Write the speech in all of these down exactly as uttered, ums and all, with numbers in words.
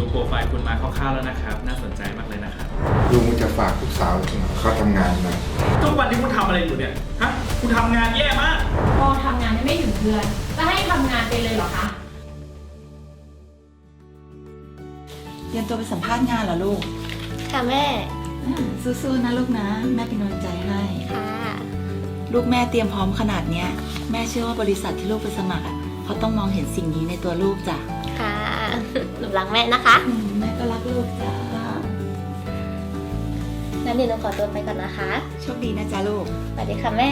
โปรไฟล์คุณมาคร่าวๆแล้วนะครับน่าสนใจมากเลยนะครับลุงจะฝากลูกสาวเขาทำงานหน่อยทุกวันนี้คุณทำอะไรอยู่เนี่ยฮะคุณทำงานแย่มากพอทำงานไม่ถึงเดือนจะให้ทำงานไปเลยเหรอคะเตรียมตัวไปสัมภาษณ์งานเหรอลูกค่ะแม่สู้ๆนะลูกนะแม่เป็นกำลังใจให้ค่ะลูกแม่เตรียมพร้อมขนาดเนี้ยแม่เชื่อว่าบริษัทที่ลูกไปสมัครอ่ะเขาต้องมองเห็นสิ่งนี้ในตัวลูกจ้ะค่ะหนูรักแม่นะคะแม่ก็รักลูกจ้ะงั้นเดี๋ยวหนูขอตัวไปก่อนนะคะโชคดีนะจ๊ะลูกสวัสดีค่ะแม่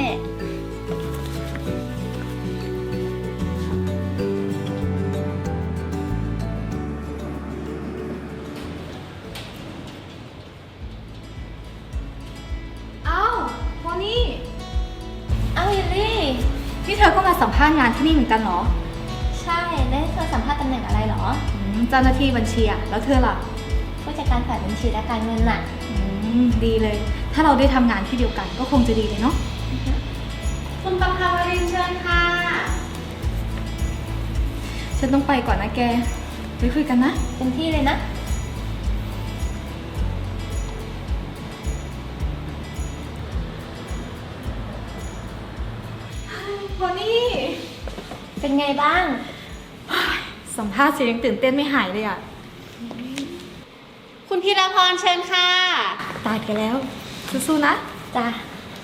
นี่เธอก็มาสัมภาษณ์งานที่นี่เหมือนกันเหรอใช่ได้เธอสัมภาษณ์ตำแหน่งอะไรเหรอเจ้าหน้าที่บัญชีอะแล้วเธอล่ะผู้จัดการฝ่ายบัญชีและการเงินน่ะดีเลยถ้าเราได้ทำงานที่เดียวกันก็คงจะดีเลยเนาะคุณประภาวรินทร์เชิญค่ะฉันต้องไปก่อนนะแกไปคุยกันนะเต็มที่เลยนะโพนี่เป็นไงบ้างสัมภาษณ์เสียงยังตื่นเต้นไม่หายเลยอ่ะคุณพีรพรเชิญค่ะตายกันแล้วสู้ๆนะจ้ะ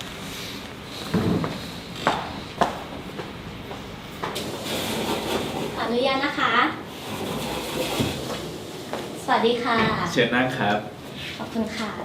ขออนุญาตนะคะสวัสดีค่ะเชิญนั่งครับขอบคุณค่ะ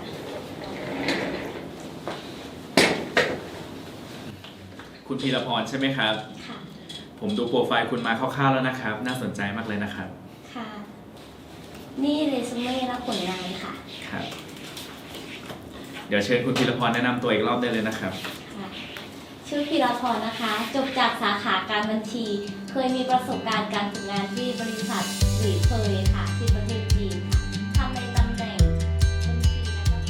คุณพีรพรใช่ไหมครับค่ะผมดูโปรไฟล์คุณมาคร่าวๆแล้วนะครับน่าสนใจมากเลยนะครับค่ะนี่เรซูเม่และผลงานค่ะครับเดี๋ยวเชิญคุณพีรพรแนะนำตัวอีกรอบได้เลยนะครับค่ะชื่อพีรพรนะคะจบจากสาขาการบัญชีเคยมีประสบการณ์การฝึกงานที่บริษัทหลีเคยค่ะที่ประเทศจีนค่ะทำในตำแหน่งบัญชีแล้ว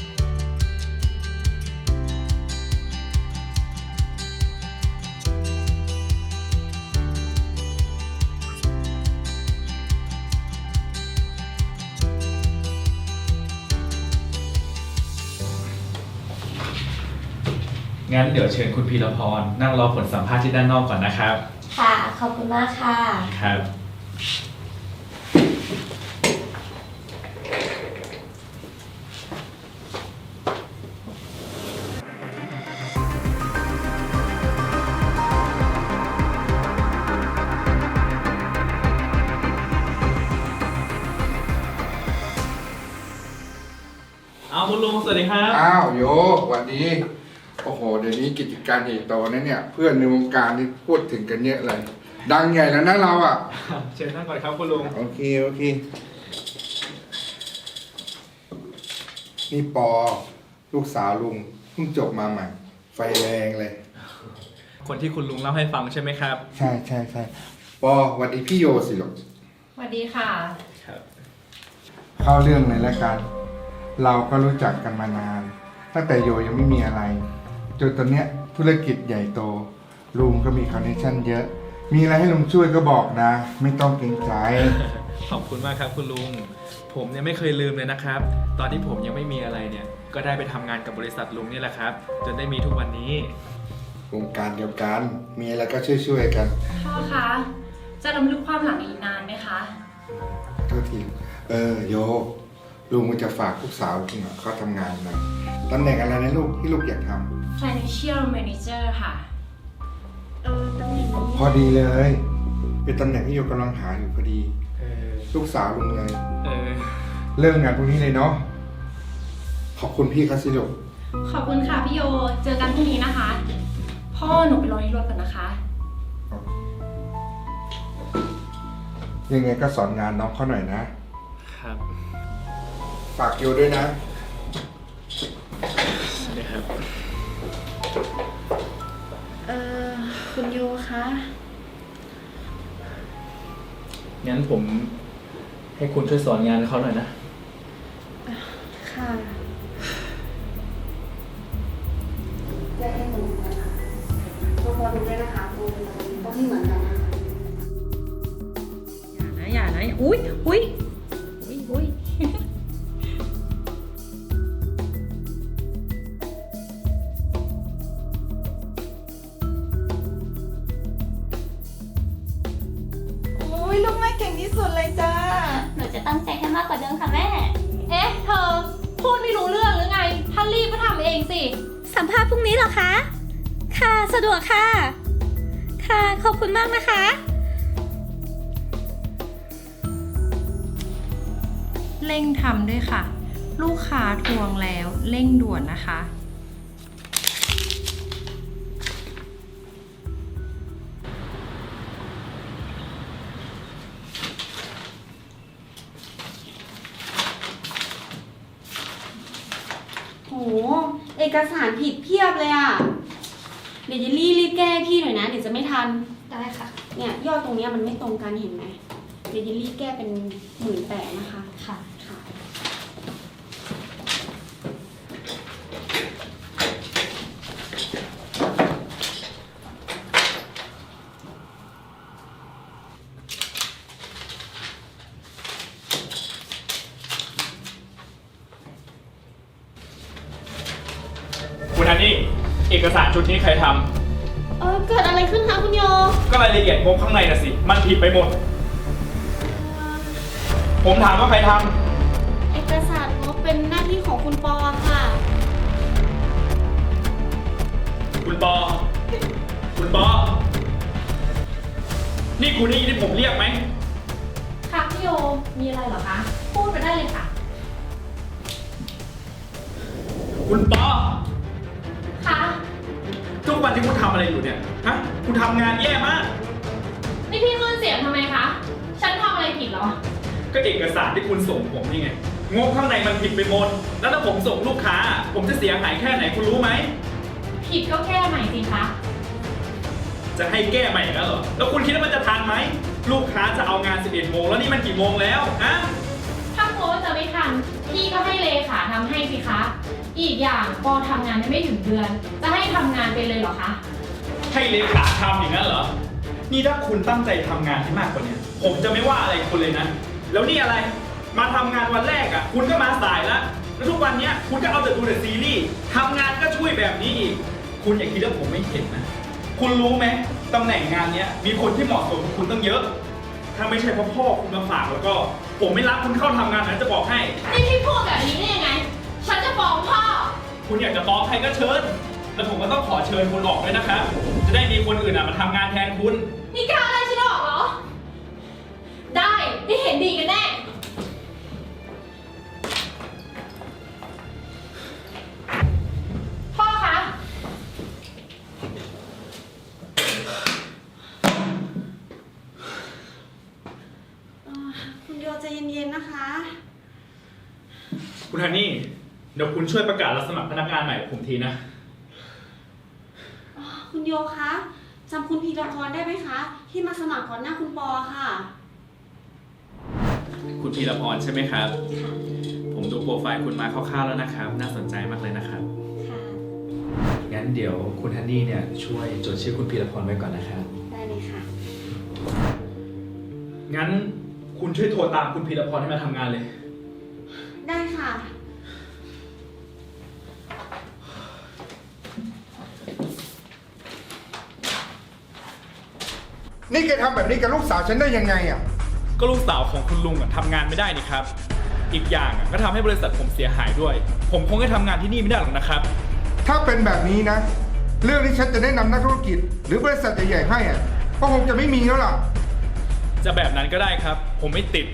งั้นเดี๋ยวเชิญคุณพีรพรนั่งรอผลสัมภาษณ์ที่ด้านนอกก่อนนะครับค่ะขอบคุณมากค่ะครับเอาคุณลุงสวัสดีครับอ้าวโยสวัสดีโอ้โหเดี๋ยวนี้กิจการใหญ่โตนะเนี่ยเพื่อนในวงการนี่พูดถึงกันเยอะเลยดังใหญ่แล้วนะเราอ่ะเชิญนั่งก่อนครับคุณลุงโอเคโอเคนี่ปอลูกสาวลุงเพิ่งจบมาใหม่ไฟแรงเลยคนที่คุณลุงเล่าให้ฟังใช่ไหมครับใช่ใช่ใช่ปอสวัสดีพี่โยสิลูกสวัสดีค่ะครับเข้าเรื่องเลยแล้วกันเราก็รู้จักกันมานานตั้งแต่โยยังไม่มีอะไรจนตอนเนี้ยธุรกิจใหญ่โตลุงก็มีคอนเนคชั่นเยอะมีอะไรให้ลุงช่วยก็บอกนะไม่ต้องเกรงใจขอบคุณมากครับคุณลุงผมเนี่ยไม่เคยลืมเลยนะครับตอนที่ผมยังไม่มีอะไรเนี่ยก็ได้ไปทำงานกับบริษัทลุงนี่แหละครับจนได้มีทุกวันนี้วงการเดียวกันมีอะไรก็ช่วยๆกันพ่อคะจะรำลึกความหลังอีกนานไหมคะโทษทีเออโยลุงมันจะฝากลูกสาวจริงอ่ะเขาทำงานหน่อยตำแหน่งอะไรนะลูกที่ลูกอยากทำ Financial Manager ค่ะเออตำแหน่งนี้พอดีเลยเป็นตำแหน่งที่โยกำลังหาอยู่พอดีลูกสาวลุงเลยเออเริ่มงานพรุ่งนี้เลยเนาะขอบคุณพี่ครับสิลูกขอบคุณค่ะพี่โยเจอกันพรุ่งนี้นะคะพ่อหนูไปรอที่รถก่อนนะคะยังไงก็สอนงานน้องเขาหน่อยนะครับฝากโยด้วยนะนี่ครับเอ่อคุณโยคะงั้นผมให้คุณช่วยสอนงานเขาหน่อยนะค่ะแยกให้ตรงกันค่ะตัวพอดูได้นะคะตัวต้องให้เหมือนกันนะอย่านะอย่านะอุ้ยอุ้ยอุ้ยอุ้ยพรุ่งนี้เหรอคะ ค่ะ สะดวกค่ะ ค่ะ ขอบคุณมากนะคะเร่งทำด้วยค่ะ ลูกค้าทวงแล้วเร่งด่วนนะคะโห เอกสารผิดเพียบเลยอ่ะ เดี๋ยวเยลลี่รีบแก้ให้พี่หน่อยนะ เดี๋ยวจะไม่ทันได้ค่ะเนี่ยยอดตรงเนี้ยมันไม่ตรงกันเห็นไหม เดี๋ยวเยลลี่แก้เป็นหมื่นแปดนะคะค่ะค่ะคุณฮันนี่ เอกสารชุดนี้ใครทเออเกิดอะไรขึ้นคะคุณโยำก็รายละเอียดงบข้างในน่ะสิ มันผิดไปหมด ผมถามว่าใครทเอกสารงบเป็นหน้าที่ของคุณปอค่ะำคุณปอ คุณปอ นี่คุณได้ยินที่ผมเรียกไหมค่ะพี่โย มีอะไรเหรอคะ พูดไปได้เลยค่ะคุณปอค่ะทุกวันที่คุณทำอะไรอยู่เนี่ย ฮะ คุณทำงานแย่มากนี่พี่ขึ้นเสียงทำไมคะ ฉันทำอะไรผิดเหรอก็เอกสารที่คุณส่งผมนี่ไง งบข้างในมันผิดไปหมด แล้วถ้าผมส่งลูกค้า ผมจะเสียหายแค่ไหนคุณรู้ไหมผิดก็แก้ใหม่สิคะจะให้แก้ใหม่อีกแล้วเหรอ แล้วคุณคิดว่ามันจะทันไหม ลูกค้าจะเอางานสิบเอ็ดโมงแล้วนี่มันกี่โมงแล้วฮะถ้ากลัวว่าจะไม่ทัน พี่ก็ให้เลขาทำให้สิคะ อีกอย่างปอทำงานยังไม่ถึงเดือน จะให้ทำงานไปเลยเหรอคะให้เลขาทำอย่างนั้นเหรอ นี่ถ้าคุณตั้งใจทำงานให้มากกว่านี้ผมจะไม่ว่าอะไรคุณเลยนะ แล้วนี่อะไร มาทำงานวันแรกอ่ะ คุณก็มาสายแล้ว แล้วทุกวันเนี้ยคุณก็เอาแต่ดูแต่ซีรีส์ทำงานก็ช่วยแบบนี้อีก คุณอย่าคิดว่าผมไม่เห็นนะ คุณรู้ไหมตำแหน่งงานเนี้ยมีคนที่เหมาะสมกับคุณตั้งเยอะ ถ้าไม่ใช่เพราะพ่อคุณมาฝากแล้วก็ ผมไม่รับคุณเข้าทำงานนั้นจะบอกให้นี่พี่พูดแบบนี้ได้ยังไง ฉันจะฟ้องพ่อคุณอยากจะฟ้องใครก็เชิญ แล้วผมก็ต้องขอเชิญคุณออกด้วยนะครับ จะได้มีคนอื่นอ่ะมาทำงานแทนคุณนี่กล้าไล่ฉันออกเหรอ ได้ไม่เห็นดีกันแน่ พ่อคะคุณโยใจเย็นๆนะคะคุณฮันนี่ เดี๋ยวคุณช่วยประกาศรับสมัครพนักงานใหม่กับผมทีนะคุณโยคะจำคุณพีรพรได้ไหมคะ ที่มาสมัครก่อนหน้าคุณปอค่ะคุณพีรพรใช่ไหมครับค่ะผมดูโปรไฟล์คุณมาคร่าวๆแล้วนะครับ น่าสนใจมากเลยนะครับค่ะงั้นเดี๋ยวคุณฮันนี่เนี่ยช่วยจดชื่อคุณพีรพรไว้ก่อนนะครับได้เลยค่ะงั้นคุณช่วยโทรตามคุณพีรพรให้มาทำงานเลยได้ค่ะนี่แกทำแบบนี้กับลูกสาวฉันได้ยังไงอ่ะก็ลูกสาวของคุณลุงอะทำงานไม่ได้นี่ครับ อีกอย่างอะก็ทำให้บริษัทผมเสียหายด้วย ผมคงให้ทำงานที่นี่ไม่ได้หรอกนะครับถ้าเป็นแบบนี้นะ เรื่องที่ฉันจะแนะนำนักธุรกิจ หรือบริษัทใหญ่ๆให้อ่ะก็คงจะไม่มีแล้วล่ะจะแบบนั้นก็ได้ครับ ผมไม่ติด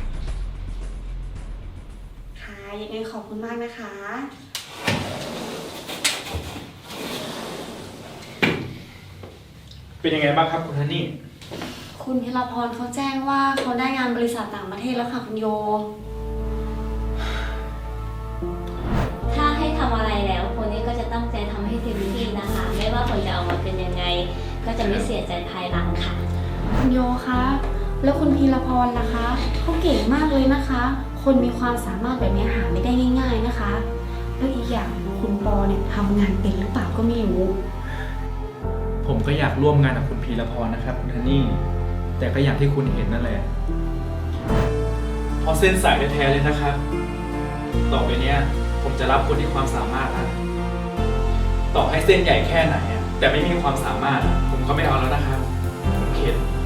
ค่ะ ยังไงขอบคุณมากนะคะเป็นยังไงบ้างครับคุณฮันนี่คุณพีรพรเขาแจ้งว่าเขาได้งานบริษัทต่างประเทศแล้วค่ะคุณโยถ้าให้ทำอะไรแล้วคนนี้ก็จะตั้งใจทำให้เต็มที่นะคะ ไม่ว่าผลจะออกมาเป็นยังไง ก็จะไม่เสียใจภายหลังค่ะคุณโยคะ แล้วคุณพีรพรนะคะเขาเก่งมากเลยนะคะ คนมีความสามารถแบบนี้หาไม่ได้ง่าย ๆนะคะ แล้วอีกอย่างคุณปอเนี่ยทำงานเป็นหรือเปล่าก็ไม่รู้ผมก็อยากร่วมงานกับคุณพีรพรนะครับคุณฮันนี่ แต่ก็อย่างที่คุณเห็นนั่นแหละเพราะเส้นสายแท้ๆเลยนะครับ ต่อไปเนี้ยผมจะรับคนที่ความสามารถนะต่อให้เส้นใหญ่แค่ไหนอะแต่ไม่มีความสามารถอะผมก็ไม่เอาแล้วนะครับผมเข็ด